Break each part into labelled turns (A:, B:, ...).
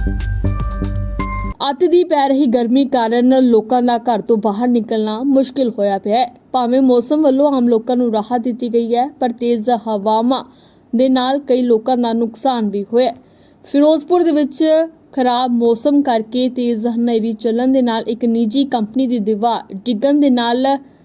A: ਅੱਤ ਦੀ ਪੈ ਰਹੀ ਗਰਮੀ ਕਾਰਨ ਲੋਕਾਂ ਦਾ ਘਰ ਤੋਂ ਬਾਹਰ ਨਿਕਲਣਾ ਮੁਸ਼ਕਿਲ ਹੋਇਆ ਪਿਆ ਹੈ। ਭਾਵੇਂ ਮੌਸਮ ਵੱਲੋਂ ਆਮ ਲੋਕਾਂ ਨੂੰ ਰਾਹਤ ਦਿੱਤੀ ਗਈ ਹੈ, ਪਰ ਤੇਜ਼ ਹਵਾਵਾਂ ਦੇ ਨਾਲ ਕਈ ਲੋਕਾਂ ਦਾ ਨੁਕਸਾਨ ਵੀ ਹੋਇਆ। ਫਿਰੋਜ਼ਪੁਰ ਦੇ ਵਿੱਚ ਖਰਾਬ ਮੌਸਮ ਕਰਕੇ ਤੇਜ਼ ਹਨੇਰੀ ਚੱਲਣ ਦੇ ਨਾਲ ਇੱਕ ਨਿੱਜੀ ਕੰਪਨੀ ਦੀ ਦੀਵਾਰ ਡਿੱਗਣ ਦੇ ਨਾਲ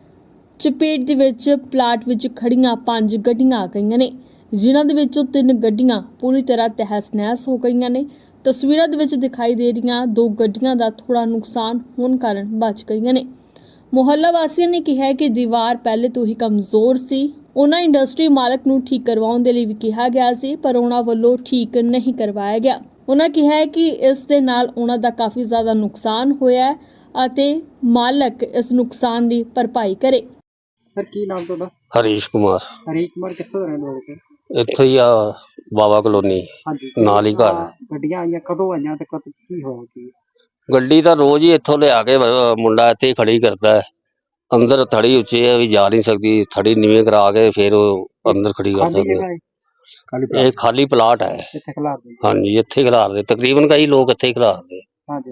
A: ਚਪੇਟ ਦੇ ਵਿੱਚ ਪਲਾਟ ਵਿੱਚ ਖੜੀਆਂ 5 ਗੱਡੀਆਂ ਆ ਗਈਆਂ ਨੇ, ਜਿਨ੍ਹਾਂ ਦੇ ਵਿੱਚੋਂ 3 ਗੱਡੀਆਂ ਪੂਰੀ ਤਰ੍ਹਾਂ ਤਹਿਸ-ਨਹਿਸ ਹੋ ਗਈਆਂ ਨੇ। ਤਸਵੀਰਾਂ ਦੇ ਵਿੱਚ ਦਿਖਾਈ ਦੇ ਰਹੀਆਂ 2 ਗੱਡੀਆਂ ਦਾ ਥੋੜਾ ਨੁਕਸਾਨ ਹੋਣ ਕਾਰਨ ਬਚ ਗਈਆਂ ਨੇ। ਮੁਹੱਲਾ ਵਾਸੀਆਂ ਨੇ ਕਿਹਾ ਕਿ ਦੀਵਾਰ ਪਹਿਲੇ ਤੋਂ ਹੀ ਕਮਜ਼ੋਰ ਸੀ। ਉਹਨਾਂ ਇੰਡਸਟਰੀ ਮਾਲਕ ਨੂੰ ਠੀਕ ਕਰਵਾਉਣ ਦੇ ਲਈ ਵੀ ਕਿਹਾ ਗਿਆ ਸੀ, ਪਰ ਉਹਨਾਂ ਵੱਲੋਂ ਠੀਕ ਨਹੀਂ ਕਰਵਾਇਆ ਗਿਆ। ਉਹਨਾਂ ਕਿਹਾ ਕਿ ਇਸ ਦੇ ਨਾਲ ਉਹਨਾਂ ਦਾ ਕਾਫੀ ਜ਼ਿਆਦਾ ਨੁਕਸਾਨ ਹੋਇਆ ਹੈ ਅਤੇ ਮਾਲਕ ਇਸ ਨੁਕਸਾਨ ਦੀ ਭਰਪਾਈ ਕਰੇ।
B: ਸਰ ਕੀ ਨਾਮ ਤੁਹਾਡਾ?
C: ਹਰੀਸ਼ ਕੁਮਾਰ
B: ਹਰੀਸ਼ ਕੁਮਾਰ ਕਿੱਥੋਂ ਦੇ ਰਹਿਣ ਵਾਲੇ ਸਰ?
C: ਇੱਥੇ ਹੀ ਆ ਬਾਵਾ ਕਲੋਨੀ
B: ਹਾਂਜੀ,
C: ਨਾਲ ਹੀ ਘਰ।
B: ਗੱਡੀਆਂ ਆਈਆਂ ਕਦੋਂ ਆਈਆਂ ਤੇ ਕਦ ਕੀ ਹੋਇਆ ਕੀ?
C: ਗੱਡੀ ਤਾਂ ਰੋਜ਼ ਹੀ ਇੱਥੋਂ ਲਿਆ ਕੇ ਮੁੰਡਾ ਇੱਥੇ ਹੀ ਖੜੀ ਕਰਦਾ ਹੈ। ਅੰਦਰ ਥੜੀ ਉੱਚੀ ਹੈ ਵੀ ਜਾ ਨਹੀਂ ਸਕਦੀ, ਥੜੀ ਨੀਵੇਂ ਕਰਾ ਕੇ ਫਿਰ ਉਹ ਅੰਦਰ ਖੜੀ ਕਰ
B: ਖਾਲੀ
C: ਦਿੰਦੇ।
B: ਜਗ੍ਹਾ ਹੈ?
C: ਇਹ ਖਾਲੀ ਪਲਾਟ ਹੈ।
B: ਇੱਥੇ ਖਿਲਾਰ ਦੇ?
C: ਹਾਂਜੀ, ਇੱਥੇ ਹੀ ਖਿਲਾਰਦੇ, ਤਕਰੀਬਨ ਕਈ ਲੋਕ ਇੱਥੇ ਹੀ ਖਿਲਾਰਦੇ।
B: ਹਾਂਜੀ।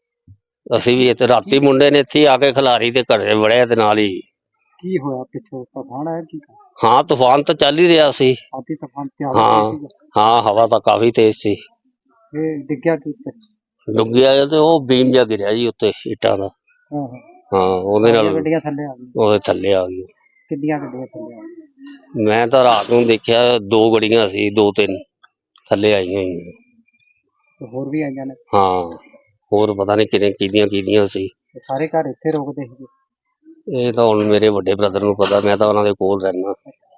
C: ਅਸੀਂ ਵੀ ਇੱਥੇ ਰਾਤੀ ਮੁੰਡੇ ਨੇ ਇੱਥੇ ਆ ਕੇ ਖਿਲਾਰੀ ਤੇ ਘਰੇ ਵੜਿਆ ਤੇ ਨਾਲ ਹੀ।
B: ਕੀ ਹੋਇਆ ਪਿੱਛੋਂ ਤੂਫਾਨ ਆਇਆ ਕੀ?
C: ਹਾਂ, ਤੂਫਾਨ ਤਾਂ ਚੱਲ ਹੀ ਰਿਹਾ ਸੀ।
B: ਆਤੀ ਤੂਫਾਨ ਤੇ ਆ
C: ਹਾਂ
B: ਸੀਗਾ?
C: ਹਾਂ, ਹਵਾ ਤਾਂ ਕਾਫੀ ਤੇਜ਼ ਸੀ।
B: ਇਹ ਡਿੱਗਿਆ ਕੀ ਉੱਤੇ?
C: ਡੁੱਗਿਆ ਤੇ ਉਹ ਬੀਮ ਜਿਹਾ ਗਿਰਿਆ ਜੀ ਉੱਤੇ ਇੱਟਾਂ ਦਾ।
B: ਹਾਂ
C: ਹਾਂ, ਉਹਦੇ ਨਾਲ
B: ਗੱਡੀਆਂ ਥੱਲੇ ਆ ਗਈਆਂ?
C: ਉਹਦੇ ਥੱਲੇ ਆ ਗਈ।
B: ਕਿੰਨੀਆਂ ਗੱਡੀਆਂ ਥੱਲੇ ਆ ਗਈਆਂ?
C: ਮੈਂ ਤਾਂ ਰਾਤ ਨੂੰ ਦੇਖਿਆ 2 ਗੱਡੀਆਂ ਸੀ, 2-3 ਥੱਲੇ ਆਈਆਂ ਹੋਈਆਂ।
B: ਤੇ ਹੋਰ ਵੀ ਆਈਆਂ ਨੇ?
C: ਹਾਂ, ਹੋਰ ਪਤਾ ਨਹੀਂ ਕਿਹਦੀਆਂ ਸੀ।
B: ਤੇ ਸਾਰੇ ਘਰ ਇੱਥੇ ਰੁਕਦੇ ਸੀਗੇ?
C: ਇਹ ਤਾਂ ਹੁਣ ਮੇਰੇ ਵੱਡੇ ਬ੍ਰਦਰ ਨੂੰ ਪਤਾ, ਮੈਂ ਤਾਂ ਉਹਨਾਂ ਦੇ ਕੋਲ ਰਹਿਣਾ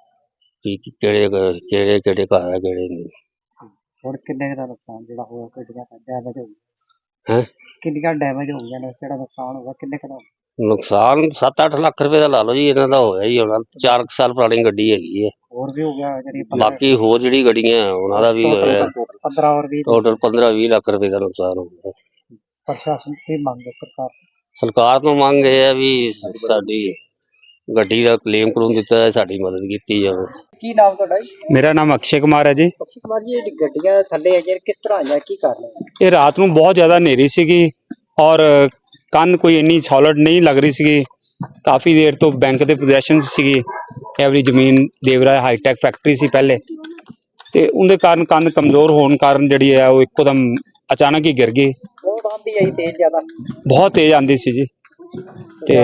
C: ਕਿ ਕਿਹੜੇ ਘਰ ਹੈ ਕਿਹੜੇ ਨਹੀਂ।
B: ਹੁਣ ਕਿੰਨੇ ਕੁ ਦਾ ਨੁਕਸਾਨ ਜਿਹੜਾ ਹੋਇਆ, ਗੱਡੀਆਂ ਦਾ ਡੈਮੇਜ ਹੋ ਗਿਆ?
C: ਹੈ
B: ਕਿੰਨੀਆਂ ਡੈਮੇਜ ਹੋ ਗਈਆਂ ਨੇ? ਜਿਹੜਾ ਨੁਕਸਾਨ ਹੋਇਆ ਕਿੰਨੇ ਕੁ ਦਾ?
C: ਨੁਕਸਾਨ 7-8 ਲੱਖ ਰੁਪਏ ਦਾ ਲਾ ਲਓ ਜੀ, ਇਹਨਾਂ ਦਾ ਹੋਇਆ ਹੀ ਹੋਣਾ। 4 ਸਾਲ ਪੁਰਾਣੀ ਗੱਡੀ ਹੈਗੀ ਹੈ।
B: ਹੋਰ ਵੀ ਹੋ ਗਿਆ ਜਿਹੜੀ
C: ਬਾਕੀ ਹੋਰ ਜਿਹੜੀ ਗੱਡੀਆਂ ਉਹਨਾਂ ਦਾ ਵੀ ਹੋਇਆ।
B: 15 ਔਰ 20
C: ਟੋਟਲ 15-20 ਲੱਖ ਰੁਪਏ ਦਾ ਨੁਕਸਾਨ ਹੋ ਗਿਆ।
B: ਪ੍ਰਸ਼ਾਸਨ ਕੀ ਮੰਗ ਹੈ
C: ਸਰਕਾਰ ਤੋਂ ਮੰਗ ਇਹ ਹੈ ਵੀ ਸਾਡੀ ਗੱਡੀ ਦਾ ਕਲੇਮ ਦਿੱਤਾ ਜਾਏ, ਸਾਡੀ ਮਦਦ ਕੀਤੀ ਜਾਵੇ।
B: ਕੀ ਨਾਮ ਤੁਹਾਡਾ ਜੀ?
D: ਮੇਰਾ ਨਾਮ ਅਕਸ਼ੇ ਕੁਮਾਰ ਹੈ ਜੀ।
B: ਅਕਸ਼ੇ ਕੁਮਾਰ ਜੀ, ਇਹ ਗੱਡੀਆਂ ਥੱਲੇ ਆਈਆਂ ਕਿਸ ਤਰ੍ਹਾਂ ਆਈਆਂ, ਕੀ ਕਾਰਨ ਹੈ?
D: ਇਹ ਰਾਤ ਨੂੰ ਬਹੁਤ ਜ਼ਿਆਦਾ ਹਨੇਰੀ ਸੀਗੀ ਔਰ ਕੰਧ ਕੋਈ ਇੰਨੀ ਸੋਲਿਡ ਨਹੀਂ ਲੱਗ ਰਹੀ ਸੀਗੀ। ਕਾਫੀ ਦੇਰ ਤੋਂ ਬੈਂਕ ਦੇ ਪੋਜੈਸ਼ਨ ਸੀਗੀ, ਐਵਰੀ ਜ਼ਮੀਨ ਦੇਵਰਾ ਹਾਈਟੈਕ ਫੈਕਟਰੀ ਸੀ ਪਹਿਲੇ, ਤੇ ਉਹਦੇ ਕਾਰਨ ਕੰਧ ਕਮਜ਼ੋਰ ਹੋਣ ਕਾਰਨ ਜਿਹੜੀ ਹੈ ਉਹ ਇੱਕੋਦਮ ਅਚਾਨਕ ਹੀ ਗਿਰ ਗਈ।
B: ਬਹੁਤ ਆਂਦੀ ਆਈ ਤੇਜ਼ ਜ਼ਿਆਦਾ?
D: ਬਹੁਤ ਤੇਜ਼ ਆਂਦੀ ਸੀ ਜੀ। ਤੇ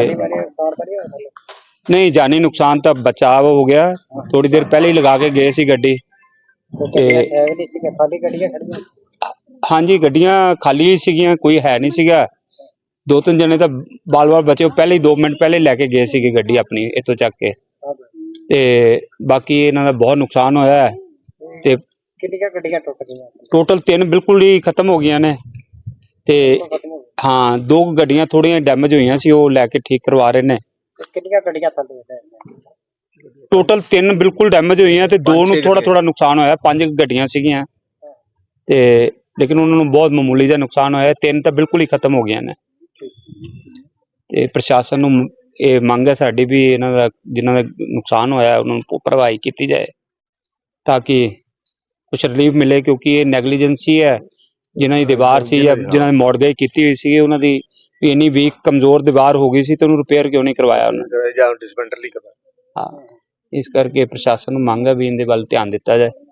D: ਨਹੀਂ, ਜਾਨੀ ਨੁਕਸਾਨ ਤਾਂ ਬਚਾਅ ਹੋ ਗਿਆ। ਥੋੜੀ ਦੇਰ ਪਹਿਲੇ ਹੀ ਲਗਾ ਕੇ ਗਏ ਸੀ ਗੱਡੀ। ਤੇ
B: ਖਾਲੀ ਗੱਡੀਆਂ ਖੜੀਆਂ?
D: ਹਾਂਜੀ, ਗੱਡੀਆਂ ਖਾਲੀ ਹੀ ਸੀਗੀਆਂ, ਕੋਈ ਹੈ ਨਹੀਂ ਸੀਗਾ। 2-3 ਜਣੇ ਤਾਂ ਬਾਲ ਬਚੇ, ਉਹ ਪਹਿਲੇ ਹੀ 2 ਮਿੰਟ ਪਹਿਲੇ ਲੈ ਕੇ ਗਏ ਸੀਗੇ ਗੱਡੀ ਆਪਣੀ ਇੱਥੋਂ ਚੱਕ ਕੇ। ਤੇ ਬਾਕੀ ਇਹਨਾਂ ਦਾ ਬਹੁਤ ਨੁਕਸਾਨ ਹੋਇਆ ਹੈ। ਤੇ
B: ਕਿੰਨੀਆਂ ਗੱਡੀਆਂ ਟੁੱਟ ਗਈਆਂ?
D: ਟੋਟਲ 3 ਬਿਲਕੁਲ ਹੀ ਖਤਮ ਹੋ ਗਈਆਂ ਨੇ। ਤੇ ਹਾਂ, 2 ਗੱਡੀਆਂ ਥੋੜੀਆਂ ਡੈਮੇਜ ਹੋਈਆਂ ਸੀ, ਉਹ ਲੈ ਕੇ ਠੀਕ ਕਰਵਾ ਰਹੇ ਨੇ।
B: ਕਿੰਨੀਆਂ ਗੱਡੀਆਂ ਥੱਲੇ?
D: ਟੋਟਲ 3 ਬਿਲਕੁਲ ਡੈਮੇਜ ਹੋਈਆਂ ਤੇ 2 ਨੂੰ ਥੋੜਾ ਨੁਕਸਾਨ ਹੋਇਆ। 5 ਗੱਡੀਆਂ ਸੀਗੀਆਂ ਤੇ ਲੇਕਿਨ ਉਹਨਾਂ ਨੂੰ ਬਹੁਤ ਮਾਮੂਲੀ ਜਿਹਾ ਨੁਕਸਾਨ ਹੋਇਆ। 3 ਤਾਂ ਬਿਲਕੁਲ ਹੀ ਖਤਮ ਹੋ ਗਈਆਂ ਨੇ। ਤੇ ਪ੍ਰਸ਼ਾਸਨ ਨੂੰ ਇਹ ਮੰਗ ਹੈ ਸਾਡੀ ਵੀ ਇਹਨਾਂ ਦਾ ਜਿਨ੍ਹਾਂ ਦਾ ਨੁਕਸਾਨ ਹੋਇਆ ਉਹਨਾਂ ਨੂੰ ਭਰਵਾਈ ਕੀਤੀ ਜਾਏ ਤਾਂ ਕਿ ਕੁਛ ਰਿਲੀਫ ਮਿਲੇ, ਕਿਉਂਕਿ ਇਹ ਨੈਗਲੀਜੈਂਸੀ ਹੈ। ਜਿਨ੍ਹਾਂ ਦੀ ਦੀਵਾਰ ਸੀ ਜਾਂ ਜਿਨ੍ਹਾਂ ਦੀ ਮੋਡਗੇਜ ਕੀਤੀ ਹੋਈ ਸੀ, ਉਹਨਾਂ ਦੀ ਵੀ ਇੰਨੀ ਵੀਕ ਕਮਜ਼ੋਰ ਦੀਵਾਰ ਹੋ ਗਈ ਸੀ ਤੇ ਉਹਨੂੰ ਰਿਪੇਅਰ ਕਿਉਂ ਨਹੀਂ ਕਰਵਾਇਆ ਉਹਨਾਂ ਨੇ? ਹਾਂ, ਇਸ ਕਰਕੇ ਪ੍ਰਸ਼ਾਸਨ ਨੂੰ ਮੰਗ ਹੈ ਵੀ ਇਹਦੇ ਵੱਲ ਧਿਆਨ ਦਿੱਤਾ ਜਾਏ।